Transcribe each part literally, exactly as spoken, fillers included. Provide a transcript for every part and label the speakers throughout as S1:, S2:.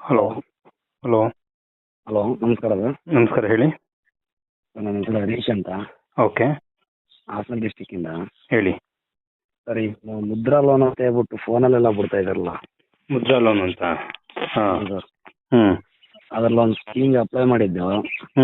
S1: Hello. Hello.
S2: Hello, ನಮಸ್ಕಾರ sir.
S1: ನಮಸ್ಕಾರ, ಹೇಳಿ.
S2: ನನ್ನ ಹೆಸರು ಹರೀಶ್ ಅಂತ,
S1: ಓಕೆ,
S2: ಹಾಸನ ಡಿಸ್ಟಿಕ್ಕಿಂದ.
S1: ಹೇಳಿ.
S2: ಸರ್, ಈ ಮುದ್ರಾ ಲೋನ್ ಅಂತ ಹೇಳ್ಬಿಟ್ಟು ಫೋನಲ್ಲೆಲ್ಲ ಬಿಡ್ತಾ ಇದಾರಲ್ಲ.
S1: ಮುದ್ರಾ ಲೋನ್ ಅಂತ? ಹಾಂ.
S2: ಸರ್,
S1: ಹ್ಞೂ
S2: ಅದರಲ್ಲಿ ಒಂದು ಸ್ಕೀಮ್ಗೆ ಅಪ್ಲೈ ಮಾಡಿದ್ದೆವು.
S1: ಹ್ಞೂ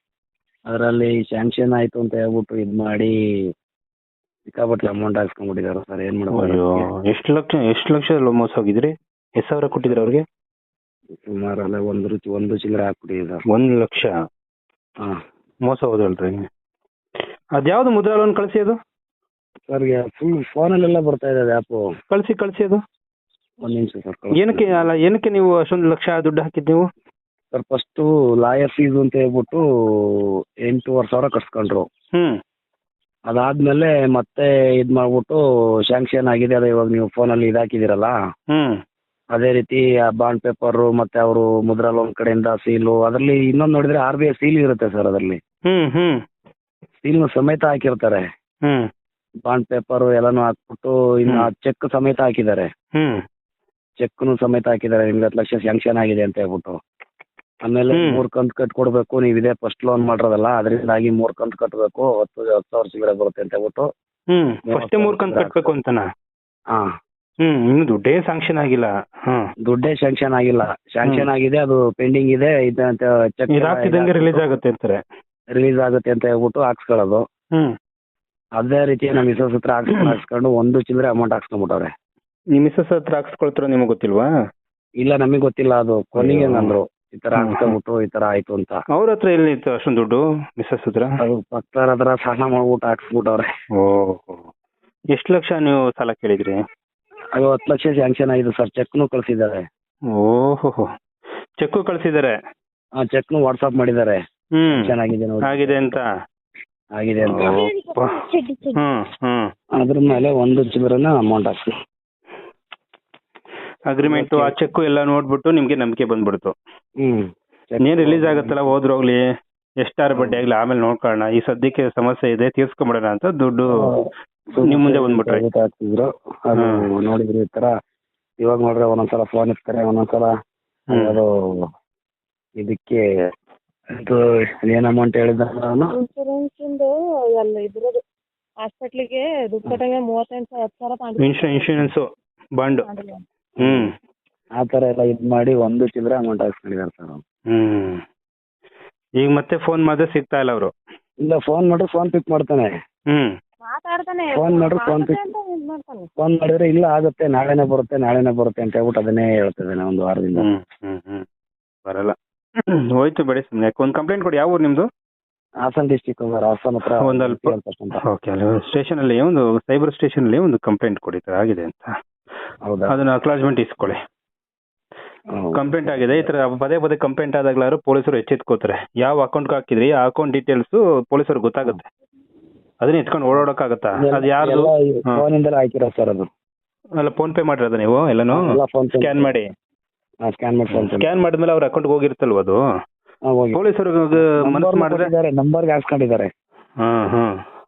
S2: ಅದರಲ್ಲಿ ಸ್ಯಾಂಕ್ಷನ್ ಆಯಿತು ಅಂತ ಹೇಳ್ಬಿಟ್ಟು ಇದು ಮಾಡಿ ಸಿಕ್ಕಾಪಟ್ಟೆ ಅಮೌಂಟ್ ಹಾಕ್ಸ್ಕೊಂಡ್ಬಿಟ್ಟಿದ್ದಾರೆ ಸರ್. ಏನು
S1: ಅಯ್ಯೋ,
S2: ಮಾಡ್ಬೋದು?
S1: ಎಷ್ಟು ಲಕ್ಷ ಎಷ್ಟು ಲಕ್ಷ ಮೋಸ ಹೋಗಿದ್ರಿ? ಎಷ್ಟು ಸಾವಿರ ಕೊಟ್ಟಿದ್ರಿ ಅವ್ರಿಗೆ?
S2: ಸುಮಾರು ಅಲ್ಲ ಒಂದು ರುಚಿ ಒಂದು ಚಿಲ್ಲರೆ ಹಾಕ್ಬಿಟ್ಟಿದೆ ಸರ್.
S1: ಒಂದು ಲಕ್ಷ
S2: ಹಾಂ
S1: ಮೋಸ ಹೋದಲ್ರಿ. ಅದ್ಯಾವುದು ಮುದ್ರಾ ಲೋನ್? ಕಳಿಸಿ ಅದು.
S2: ಸರ್, ಫುಲ್ ಫೋನಲ್ಲೆಲ್ಲ ಬರ್ತಾ ಇದೆ ಅದು ಆ್ಯಪು.
S1: ಕಳಿಸಿ ಕಳಿಸಿ ಅದು.
S2: ಒಂದು ನಿಮಿಷ ಸರ್.
S1: ಏನಕ್ಕೆ ಅಲ್ಲ ಏನಕ್ಕೆ ನೀವು ಅಷ್ಟೊಂದು ಲಕ್ಷ ದುಡ್ಡು ಹಾಕಿದ್ದು ನೀವು?
S2: ಸರ್, ಫಸ್ಟು ಲಾಯರ್ ಫೀಸ್ ಅಂತ ಹೇಳ್ಬಿಟ್ಟು ಎಂಟೂವರೆ ಸಾವಿರ ಕಟ್ಸ್ಕೊಂಡ್ರು.
S1: ಹ್ಞೂ
S2: ಅದಾದ್ಮೇಲೆ ಮತ್ತೆ ಇದು ಮಾಡ್ಬಿಟ್ಟು ಸ್ಯಾಂಕ್ಷನ್ ಆಗಿದೆ, ಅದೇ ಇವಾಗ ನೀವು ಫೋನಲ್ಲಿ ಇದಾಕಿದ್ದೀರಲ್ಲ,
S1: ಹ್ಞೂ
S2: ಅದೇ ರೀತಿ ಆ ಬಾಂಡ್ ಪೇಪರು ಮತ್ತೆ ಅವರು ಮುದ್ರಾ ಲೋನ್ ಕಡೆಯಿಂದ ಸೀಲು, ಅದರಲ್ಲಿ ಇನ್ನೊಂದು ನೋಡಿದ್ರೆ ಆರ್ ಬಿ ಐ ಸೀಲ್ ಇರುತ್ತೆ ಸರ್. ಅದರಲ್ಲಿ
S1: ಹ್ಞೂ ಹ್ಞೂ
S2: ಸೀಲ್ನ ಸಮೇತ ಹಾಕಿರ್ತಾರೆ.
S1: ಹ್ಞೂ
S2: ಬಾಂಡ್ ಪೇಪರು ಎಲ್ಲಾನು ಹಾಕ್ಬಿಟ್ಟು ಇನ್ನು ಚೆಕ್ ಸಮೇತ ಹಾಕಿದ್ದಾರೆ.
S1: ಹ್ಞೂ
S2: ಚೆಕ್ನು ಸಮೇತ ಹಾಕಿದ್ದಾರೆ, ನಿಮ್ಗೆ ಹತ್ತು ಲಕ್ಷ ಸ್ಯಾಂಕ್ಷನ್ ಆಗಿದೆ ಅಂತ ಹೇಳ್ಬಿಟ್ಟು. ಆಮೇಲೆ
S1: ಹ್ಮ್.
S2: ಮೂರು ಕಂತು ಕಟ್ ಕೊಡಬೇಕು, ನೀವು ಇದೇ ಫಸ್ಟ್ ಲೋನ್ ಮಾಡಿರೋದಲ್ಲ ಅದರಿಂದಾಗಿ ಮೂರು ಕಂತು ಕಟ್ಟಬೇಕು, ಹತ್ತು ಹತ್ತು ಸಾವಿರ ಸಿಗಡೆ ಬರುತ್ತೆ ಅಂತ ಹೇಳ್ಬಿಟ್ಟು.
S1: ಹ್ಞೂ ಫಸ್ಟೇ ಮೂರು ಕಂತು ಕಟ್ಟಬೇಕು ಅಂತನಾ?
S2: ಹಾಂ,
S1: ಹ್ಞೂ ಇನ್ನು ದುಡ್ಡೇ ಸ್ಯಾಂಕ್ಷನ್ ಆಗಿಲ್ಲ. ಹಾಂ,
S2: ದುಡ್ಡೇ ಸ್ಯಾಂಕ್ಷನ್ ಆಗಿಲ್ಲ. ಸ್ಯಾಂಕ್ಷನ್ ಆಗಿದೆ, ಅದು ಪೆಂಡಿಂಗ್ ಇದೆ, ಇದು ಅಂತ ಚೆಕ್
S1: ಇದು ಹಾಕ್ತಿದ್ದಂಗೆ ರಿಲೀಸ್ ಆಗುತ್ತೆ ಅಂತಾರೆ.
S2: ರಿಲೀಸ್ ಆಗುತ್ತೆ ಅಂತ ಹೇಳ್ಬಿಟ್ಟು ಹಾಕ್ಸ್ಕೊಳ್ಳೋದು.
S1: ಹ್ಞೂ
S2: ಅದೇ ರೀತಿ ನಮ್ಮ ಮಿಸಸ್ ಹತ್ರ ಹಾಕ್ಸ್ಕೊಂಡು ಹಾಕ್ಸ್ಕೊಂಡು ಒಂದು ಚಿಲ್ಲರೆ ಅಮೌಂಟ್ ಹಾಕ್ಸ್ಕೊಂಡ್ಬಿಟ್ಟವ್ರೆ.
S1: ನಿಮ್ಮ ಮಿಸ್ಸಸ್ ಹತ್ರ ಹಾಕ್ಸ್ಕೊಳ್ತಾರೋ ನಿಮಗೆ ಗೊತ್ತಿಲ್ವಾ?
S2: ಇಲ್ಲ, ನಮಗೆ ಗೊತ್ತಿಲ್ಲ. ಅದು ಕೊನೆಗೆ
S1: ಅಯ್ಯೋ.
S2: ಅಂದ್ರು ಈ ತರ
S1: ಹ್ಮ್.
S2: ಹಾಕ್ಸ್ಕೊಂಡ್ಬಿಟ್ಟು ಈ ತರ ಆಯ್ತು ಅಂತ.
S1: ಅವ್ರ ಹತ್ರ ಎಲ್ಲಿ ಇತ್ತು ಅಷ್ಟೊಂದು ದುಡ್ಡು ಮಿಸ್ಸಸ್ ಹತ್ರ?
S2: ಅದು ಪಕ್ಕದ ಹತ್ರ ಸಾಲ ಮಾಡ್ಬಿಟ್ಟು ಹಾಕ್ಸ್ಬಿಟ್ಟವ್ರೆ.
S1: ಓಹೋ, ಎಷ್ಟು ಲಕ್ಷ ನೀವು ಸಾಲ ಕೇಳಿದ್ರಿ?
S2: ಅದು ಹತ್ತು ಲಕ್ಷ ಸ್ಯಾಂಕ್ಷನ್ ಆಗಿದೆ ಸರ್. ಚೆಕ್ನು ಕಳ್ಸಿದ್ದಾರೆ.
S1: ಓಹೋ, ಚೆಕ್ಕು ಕಳಿಸಿದ್ದಾರೆ?
S2: ಆ ಚೆಕ್ನು ವಾಟ್ಸಪ್ ಮಾಡಿದ್ದಾರೆ.
S1: ಹ್ಮ್
S2: ಚೆನ್ನಾಗಿದೆ ನೋಡಿ,
S1: ಆಗಿದೆ ಅಂತ.
S2: ಆಗಿದೆ ಅಂತ.
S1: ಓಪ್ಪ. ಹ್ಮ್ ಹ್ಮ್
S2: ಅದ್ರ ಮೇಲೆ ಒಂದು ಚಿಲ್ಲರೆನ ಅಮೌಂಟ್ ಹಾಕ್ಸಿ.
S1: ಅಗ್ರಿಮೆಂಟು ಆ ಚೆಕ್ಕು ಎಲ್ಲ ನೋಡ್ಬಿಟ್ಟು ನಿಮ್ಗೆ ನಂಬಿಕೆ ಬಂದ್ಬಿಡ್ತು.
S2: ಹ್ಮ್
S1: ಏನ್ ರಿಲೀಸ್ ಆಗುತ್ತಲ್ಲ, ಹೋದ್ರು ಹೋಗ್ಲಿ, ಎಷ್ಟಾರು ಬಡ್ಡಿ ಆಗ್ಲಿ ಆಮೇಲೆ ನೋಡ್ಕೊಳ್ಳೋಣ, ಈ ಸದ್ಯಕ್ಕೆ ಸಮಸ್ಯೆ ಇದೆ ತೀರ್ಸ್ಕೊಂಬಿಡೋಣ ಅಂತ ದುಡ್ಡು ನಿಮ್ ಮುಂದೆ ಬಂದ್ಬಿಟ್ರಿ.
S2: ಹಾಕ್ತಿದ್ರು ಅದು ನೋಡಿದ್ರಿ ಈ ತರ. ಇವಾಗ ನೋಡ್ರೆ ಒಂದೊಂದ್ಸಲ ಫೋನ್ ಇರ್ತಾರೆ, ಒಂದೊಂದ್ಸಲ
S1: ಹ್ಮ್.
S2: ಅದು ಇದಕ್ಕೆ ಇದು ಏನ್ ಅಮೌಂಟ್ ಹೇಳಿದ ನಾನು
S3: ಇನ್ಶೂರೆನ್ಸ್ ಇಂದು ಎಲ್ಲ ಇದ್ರದ್ದು ಹಾಸ್ಪಿಟ್ಲಿಗೆ ದುಡ್ಡು ಕಟ್ಟಂಗೆ ಮೂವತ್ತೆಂಟು ಹತ್ತು ಸಾವಿರ ತಗೊಂಡಿದ್ದೆ.
S1: ಇನ್ಶೂ ಇನ್ಶೂರೆನ್ಸ್ ಬಾಂಡ್. ಹ್ಮ್
S2: ಆ ತರ ಎಲ್ಲ ಇದ್ ಮಾಡಿ ಒಂದು ಚಿಲ್ಲರೆ ಅಮೌಂಟ್ ಹಾಕ್ಸ್ಕೊಂಡಿದ್ದಾರೆ ಸರ್.
S1: ಹ್ಮ್ ಈಗ ಮತ್ತೆ ಫೋನ್ ಮಾಡಿದ್ರೆ ಸಿಗ್ತಾ ಇಲ್ಲ ಅವರು?
S2: ಇಲ್ಲ, ಫೋನ್ ಮಾಡಿದ್ರೆ ಫೋನ್ ಪಿಕ್ ಮಾಡ್ತಾನೆ.
S1: ಹ್ಮ್
S3: ಮಾತಾಡ್ತಾನೆ,
S2: ಫೋನ್ ಮಾಡ್ರೆ ಫೋನ್ ಪಿಕ್
S3: ಅಂತ ಇದ್ ಮಾಡ್ತಾನೆ.
S2: ಫೋನ್ ಮಾಡಿದ್ರೆ ಇಲ್ಲ ಆಗುತ್ತೆ, ನಾಳೆನೇ ಬರುತ್ತೆ ನಾಳೆನೇ ಬರುತ್ತೆ ಅಂತ ಹೇಳ್ಬಿಟ್ಟು ಅದನ್ನೇ ಹೇಳ್ತಿದ್ದಾನೆ ಒಂದು ವಾರದಿಂದ.
S1: ಹ್ಮ್ ಹ್ಮ್ ಹ್ಮ್ ಬರಲ್ಲ. ಹೋಯ್ತು ಬಿಡಿ, ಸುಮ್ಮನೆ ಒಂದು ಕಂಪ್ಲೇಂಟ್ ಕೊಡಿ. ಯಾವ ಊರು ನಿಮ್ದು?
S2: ಹಾಸನ ಡಿಸ್ಟಿಕ್ ಹಾಸನ ಹತ್ರ
S1: ಒಂದು ಅಲ್ಪ ಓಕೆ, ಅಲ್ಲಿ ಸ್ಟೇಷನ್ ಅಲ್ಲಿ ಒಂದು ಸೈಬರ್ ಸ್ಟೇಷನ್ ಅಲ್ಲಿ ಒಂದು ಕಂಪ್ಲೇಂಟ್ ಕೊಡಿ, ಈ ತರ ಆಗಿದೆ ಅಂತ.
S2: ಹೌದಾ?
S1: ಅದನ್ನ ಅಕ್ಲಾಜ್ಮೆಂಟ್ ಇಸ್ಕೊಳ್ಳಿ.
S2: ಹೌದು.
S1: ಕಂಪ್ಲೇಂಟ್ ಆಗಿದೆ, ಈ ತರ ಪದೇ ಪದೇ ಕಂಪ್ಲೇಂಟ್ ಆದಾಗ್ಲಾರು ಪೊಲೀಸರು ಎಚ್ಚೆತ್ಕೋತಾರೆ. ಯಾವ ಅಕೌಂಟ್ ಹಾಕಿದ್ರಿ ಆ ಅಕೌಂಟ್ ಡೀಟೇಲ್ಸ್ ಪೊಲೀಸರು ಗೊತ್ತಾಗುತ್ತೆ. ಅದನ್ನ ಎತ್ಕೊಂಡು ಓಡಾಡಕ್ಕಾಗತ್ತಾ? ಅದು ಯಾರ್ದು? ಹಾ.
S2: ಫೋನಿಂದಲೇ ಹಾಕಿರೋ ಸರ್ ಅದು.
S1: ಅಲ್ಲ, ಫೋನ್ ಪೇ ಮಾಡಿರೋದ ನೀವು ಎಲ್ಲಾನು?
S2: ಎಲ್ಲ ಫೋನ್
S1: ಸ್ಕ್ಯಾನ್ ಮಾಡಿ
S2: ಸ್ಕ್ಯಾನ್ ಮಾಡಿ ಫೋನ್
S1: ಸ್ಕ್ಯಾನ್ ಮಾಡಿದ್ಮೇಲೆ ಅವ್ರ ಅಕೌಂಟ್ ಹೋಗಿರುತ್ತಲ್ವ ಅದು? ಪೊಲೀಸರು ಮನಸ್ಸು ಮಾಡಿದ್ರೆ
S2: ನಂಬರ್ಗೆ ಹಾಕ್ಸ್ಕೊಂಡಿದ್ದಾರೆ.
S1: ಹಾ ಹಾ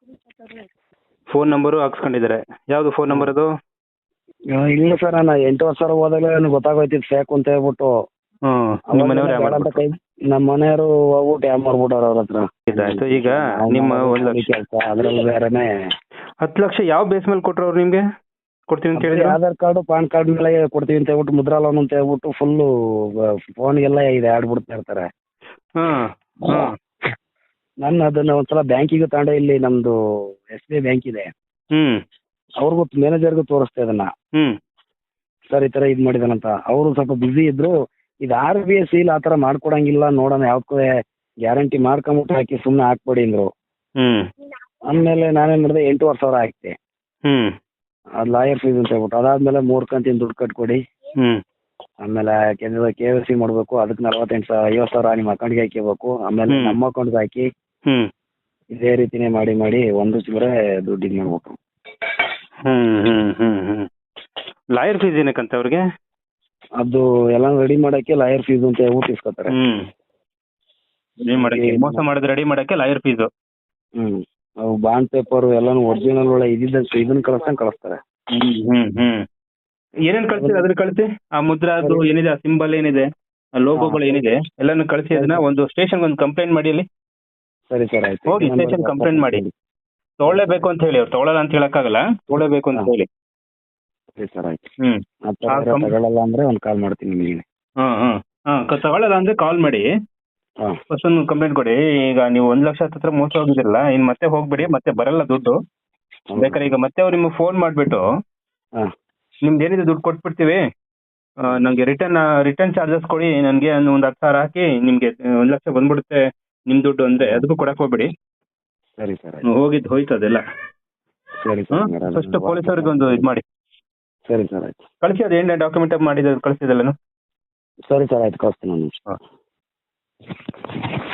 S1: ಫೋನ್ ನಂಬರು ಹಾಕ್ಸ್ಕೊಂಡಿದ್ದಾರೆ. ಯಾವ್ದು ಫೋನ್ ನಂಬರ್ ಅದು?
S2: ಇಲ್ಲ ಸರ್, ನಾನು ಎಂಟು ವರ್ಷ ಹೋದಾಗಲೇ ನನಗೆ ಗೊತ್ತಾಗೋಯ್ತಿತ್ತು ಫೇಕ್ ಅಂತ ಹೇಳ್ಬಿಟ್ಟು.
S1: ಹ್ಮ್ ನಿಮ್ಮ ಮನೆಯವ್ರು ಯಾವ
S2: ಅಂತ ಕೈ ನಮ್ಮ ಮನೆಯವರು ಹೋಗ್ಬಿಟ್ಟು ಯಾವ ಮಾಡ್ಬಿಟ್ಟವ್ರ ಅವ್ರ ಹತ್ರ.
S1: ಇದಾಯ್ತು. ಈಗ ನಿಮ್ಮ ಒಂದ್ ಲಕ್ಷ
S2: ಕೆಲಸ ಅದ್ರಲ್ಲಿ ಬೇರೆನೆ.
S1: ಹತ್ತು ಲಕ್ಷ ಯಾವ ಬೇಸ್ ಮೇಲೆ ಕೊಟ್ರು ಅವ್ರು ನಿಮ್ಗೆ? ಕೊಡ್ತೀನಿ ಅಂತ ಹೇಳಿದ್ರು.
S2: ಆಧಾರ್ ಕಾರ್ಡ್ ಪಾನ್ ಕಾರ್ಡ್ ಮೇಲೆ ಕೊಡ್ತೀವಿ ಅಂತ ಹೇಳ್ಬಿಟ್ಟು ಮುದ್ರಾ ಲೋನ್ ಅಂತ ಹೇಳ್ಬಿಟ್ಟು ಫುಲ್ಲು ಫೋನ್ಗೆಲ್ಲ ಇದೆ ಆಡ್ಬಿಡ್ತಾ ಇರ್ತಾರೆ.
S1: ಹಾ ಹಾ
S2: ನಾನು ಅದನ್ನ ಒಂದ್ಸಲ ಬ್ಯಾಂಕಿಗೆ ತಗೊಂಡೆ, ಇಲ್ಲಿ ನಮ್ದು ಎಸ್ ಬಿ ಐ ಬ್ಯಾಂಕ್ ಇದೆ,
S1: ಹ್ಮ್
S2: ಅವ್ರಿಗೂ ಮ್ಯಾನೇಜರ್ಗೂ ತೋರಿಸ್ತಾ ಇದನ್ನ.
S1: ಹ್ಮ್
S2: ಸರ್, ಈ ತರ ಇದ್ ಮಾಡಿದಾನಂತ. ಅವರು ಸ್ವಲ್ಪ ಬಿಸಿ ಇದ್ರು. ಇದು ಆರ್ ಬಿ ಐ ಸೀಲ್ ಆತರ ಮಾಡ್ಕೊಡಂಗಿಲ್ಲ, ನೋಡೋಣ ಯಾವ್ದಕ್ಕೂ ಗ್ಯಾರಂಟಿ ಮಾಡ್ಕೊಂಬಿಟ್ಟು ಹಾಕಿ ಸುಮ್ಮನೆ ಹಾಕ್ಬೇಡಿ ಅಂದ್ರು.
S1: ಹ್ಮ್
S2: ಆಮೇಲೆ ನಾನೇನ್ ಮಾಡಿದೆ, ಎಂಟೂವರೆ ಸಾವಿರ ಹಾಕ್ತೆ.
S1: ಹ್ಮ್
S2: ಅದು ಲಾಯರ್ ಫೀಸ್ ಅಂತ ಹೇಳ್ಬಿಟ್ಟು ಅದಾದ್ಮೇಲೆ ಮೂರ್ ಕಂತಿನ ದುಡ್ಡು ಕಟ್ಕೊಡಿ,
S1: ಹ್ಮ್
S2: ಆಮೇಲೆ ಕೆ ವೈ ಸಿ ಮಾಡ್ಬೇಕು, ಅದಕ್ಕೆ ನಲವತ್ತೆಂಟು ಸಾವಿರ ಐವತ್ತು ಸಾವಿರ ನಿಮ್ಮ ಅಕೌಂಟ್ಗೆ ಹಾಕಿಬೇಕು, ಆಮೇಲೆ
S1: ಹ್ಮ್.
S2: ನಮ್ಮ ಅಕೌಂಟ್ಗೆ ಹಾಕಿ
S1: ಹ್ಮ್
S2: ಇದೇ ರೀತಿನೇ ಮಾಡಿ ಮಾಡಿ ಒಂದು ಚಿಲ್ಲರೆ ದುಡ್ಡು ಇದು ಮಾಡ್ಬೇಕು.
S1: ಹ್ಮ್ ಹ್ಮ್ ಹ್ಮ್ ಹ್ಮ್ ಲಾಯರ್ ಫೀಸ್ ಏನಕ್ಕಂತ ಅವ್ರಿಗೆ?
S2: ಅದು ಎಲ್ಲ ರೆಡಿ ಮಾಡಕ್ಕೆ ಲಾಯರ್ ಫೀಸ್ ಅಂತ ಹೇಳ್ಬಿಟ್ಟು ಇಸ್ಕೊತಾರೆ.
S1: ಹ್ಮ್ ರೆಡಿ ಮಾಡಕ್ಕೆ, ಮೋಸ ಮಾಡಿದ್ರೆ ರೆಡಿ ಮಾಡಕ್ಕೆ ಲಾಯರ್ ಫೀಸ್.
S2: ಹ್ಮ್ ಅವು ಬಾಂಡ್ ಪೇಪರ್ ಎಲ್ಲಾನು ಒರಿಜಿನಲ್ ಒಳ್ಳೆ ಇದ್ದಿದ್ದ ಇದನ್ನ ಕಳಿಸ್ದಂಗೆ ಕಳಿಸ್ತಾರೆ.
S1: ಹ್ಮ್ ಹ್ಮ್ ಹ್ಮ್ ಏನೇನ್ ಕಳ್ಸಿ ಅದ್ರ ಕಳಿಸಿ. ಆ ಮುದ್ರಾ ಅದು ಏನಿದೆ, ಆ ಸಿಂಬಲ್ ಏನಿದೆ ಲೋಗೋಗಳು ಏನಿದೆ ಎಲ್ಲಾನು ಕಳಿಸಿ ಅದನ್ನ ಒಂದು ಸ್ಟೇಷನ್ ಒಂದು ಕಂಪ್ಲೇಂಟ್ ಮಾಡಿ ಅಲ್ಲಿ
S2: ಸರಿ ಸರ್ ಆಯ್ತು.
S1: ಹೋಗಿ ಸ್ಟೇಷನ್ ಕಂಪ್ಲೇಂಟ್ ಮಾಡಿ ತಗೊಳ್ಳೇಬೇಕು ಅಂತ ಹೇಳಿ ಅವ್ರು ತಗೊಳ್ಳಲ್ಲ ಅಂತ ಹೇಳಕ್ಕಾಗಲ್ಲ, ತಗೊಳ್ಳೇಬೇಕು ಅಂತ ಹೇಳಿ.
S2: ಸರಿ ಸರ್ ಆಯ್ತು.
S1: ಹ್ಮ್
S2: ಆ ಥರ
S1: ಕಂ-
S2: ತಗೊಳ್ಳಲ್ಲ ಅಂದ್ರೆ ಒಂದು ಕಾಲ್ ಮಾಡ್ತೀನಿ ನಿಮಗೆ.
S1: ಹಾ ಹಾ ಹಾ ಕ- ತಗೊಳ್ಳಲ್ಲ ಅಂದ್ರೆ ಕಾಲ್ ಮಾಡಿ
S2: ಹಾಂ
S1: ಫಸ್ಟ್ ಒಂದು ಕಂಪ್ಲೇಂಟ್ ಕೊಡಿ. ಈಗ ನೀವು ಒಂದ್ ಲಕ್ಷ ಹತ್ರ ಮೋಸ ಹೋಗಿದಿರಲ್ಲ, ಇನ್ ಮತ್ತೆ ಹೋಗ್ಬೇಡಿ, ಮತ್ತೆ ಬರಲ್ಲ ದುಡ್ಡು. ಬೇಕಾದ್ರೆ ಈಗ ಮತ್ತೆ ಅವ್ರು ನಿಮ್ಗೆ ಫೋನ್ ಮಾಡ್ಬಿಟ್ಟು
S2: ಹಾಂ
S1: ನಿಮ್ದು ಏನಿದೆ ದುಡ್ಡು ಕೊಟ್ಬಿಡ್ತೀವಿ, ಆ, ನಂಗೆ ರಿಟರ್ನ್ ರಿಟರ್ನ್ ಚಾರ್ಜಸ್ ಕೊಡಿ, ನನಗೆ ಒಂದು ಹತ್ತು ಸಾವಿರ ಹಾಕಿ ನಿಮ್ಗೆ ಒಂದ್ ಲಕ್ಷ ಬಂದ್ಬಿಡುತ್ತೆ ನಿಮ್ ದುಡ್ಡು ಅಂದ್ರೆ ಅದಕ್ಕೂ ಕೊಡಕ್ ಹೋಗ್ಬೇಡಿ.
S2: ಸರಿ ಸರ್ ಆಯ್ತು.
S1: ಹ್ಮ್, ಹೋಗಿದ್ದು ಹೋಯ್ತು ಅದೆಲ್ಲ.
S2: ಸರಿ ಸರ್ ಹಂಗಾರೆ
S1: ಫಸ್ಟ್ ಪೊಲೀಸರಿಗೆ ಒಂದು ಇದು ಮಾಡಿ
S2: ಸರಿ ಸರ್ ಆಯ್ತು.
S1: ಕಳಿಸಿ, ಅದು ಏನ್ ಡಾಕ್ಯುಮೆಂಟ್ ಮಾಡಿದ ಕಳಿಸಿದಲ್ಲ.
S2: ಸರಿ ಸರ್ ಆಯ್ತು, ಕಳಿಸ್ತೀನಿ ನಾನು.
S1: ಹಾಂ